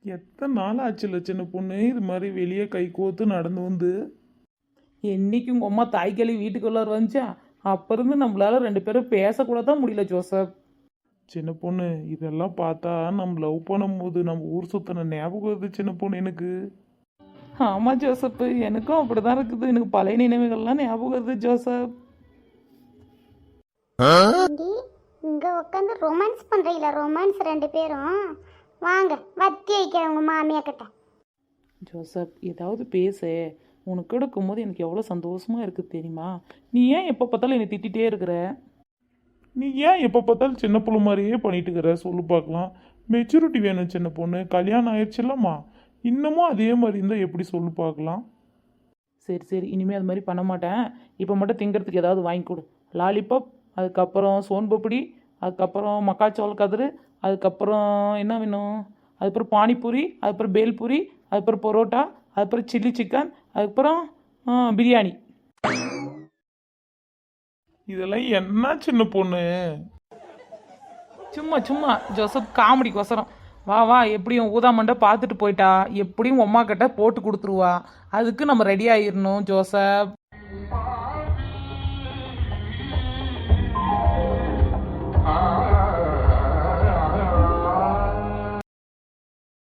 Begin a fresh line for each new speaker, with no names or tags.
எத்தனை நாள் ஆச்சுல சின்ன பொண்ணு இது மாதிரி வெளியே கை கோத்து நடந்து வந்து.
என்னைக்கு உங்கள் அம்மா தாய்க்களி வீட்டுக்குள்ளார வந்துச்சா அப்போ இருந்து நம்மளால 2 பேரும் பேசக்கூட தான் முடியல ஜோசப்.
சின்ன பொண்ணு இதெல்லாம் பார்த்தா நம்ம லவ் பண்ணும்போது நம்ம ஊர் சுத்தின ஞாபகம் வருது சின்ன பொண்ணு எனக்கு.
ஆமாம் ஜோசப், எனக்கும் அப்படி தான் இருக்குது. எனக்கு பழைய நினைவுகள்லாம் ஞாபகம் வருது ஜோசப்.
ஆண்டி இங்க உட்காந்து ரொமான்ஸ் பண்றீங்களா? ரொமான்ஸ் 2 பேரும் வாங்க வத்தி வைக்கிறேன் உங்க மாமியா கிட்ட.
ஜோசப் ஏதாவது பேசு. உனக்கு கூட இருக்கும்போது எனக்கு எவ்வளோ சந்தோஷமாக இருக்குது தெரியுமா? நீ ஏன் எப்போ பார்த்தாலும் என்னை திட்டிகிட்டே இருக்கிற?
நீ ஏன் எப்போ பார்த்தாலும் சின்ன பொண்ணு மாதிரியே பண்ணிட்டு இருக்கிற சொல்லு பார்க்கலாம். மெச்சூரிட்டி வேணும் சின்ன பொண்ணு, கல்யாணம் ஆயிடுச்சுல்லம்மா. இன்னமும் அதே மாதிரி இருந்தால் எப்படி சொல்லு பார்க்கலாம்.
சரி சரி, இனிமேல் அது மாதிரி பண்ண மாட்டேன். இப்போ மட்டும் திங்கிறதுக்கு ஏதாவது வாங்கி கொடு. லாலிபாப், அதுக்கப்புறம் சோன்பப்படி, அதுக்கப்புறம் மக்காச்சோள கதிர், அதுக்கப்புறம் என்ன வேணும், அதுக்கப்புறம் பானிபூரி, அதுக்கப்புறம் பேல்பூரி, அதுக்கப்புறம் பரோட்டா, அதுக்கப்புறம் சில்லி சிக்கன், அதுக்கப்புறம் பிரியாணி.
இதெல்லாம் என்ன சின்ன பொண்ணு?
சும்மா சும்மா ஜோசப், காமெடிக்கோசரம். வா வா, எப்படியும் ஊதாமண்டை பார்த்துட்டு போயிட்டா, எப்படியும் உம்மா கிட்ட போட்டு கொடுத்துருவா. அதுக்கு நம்ம ரெடி ஆயிடணும் ஜோசப்.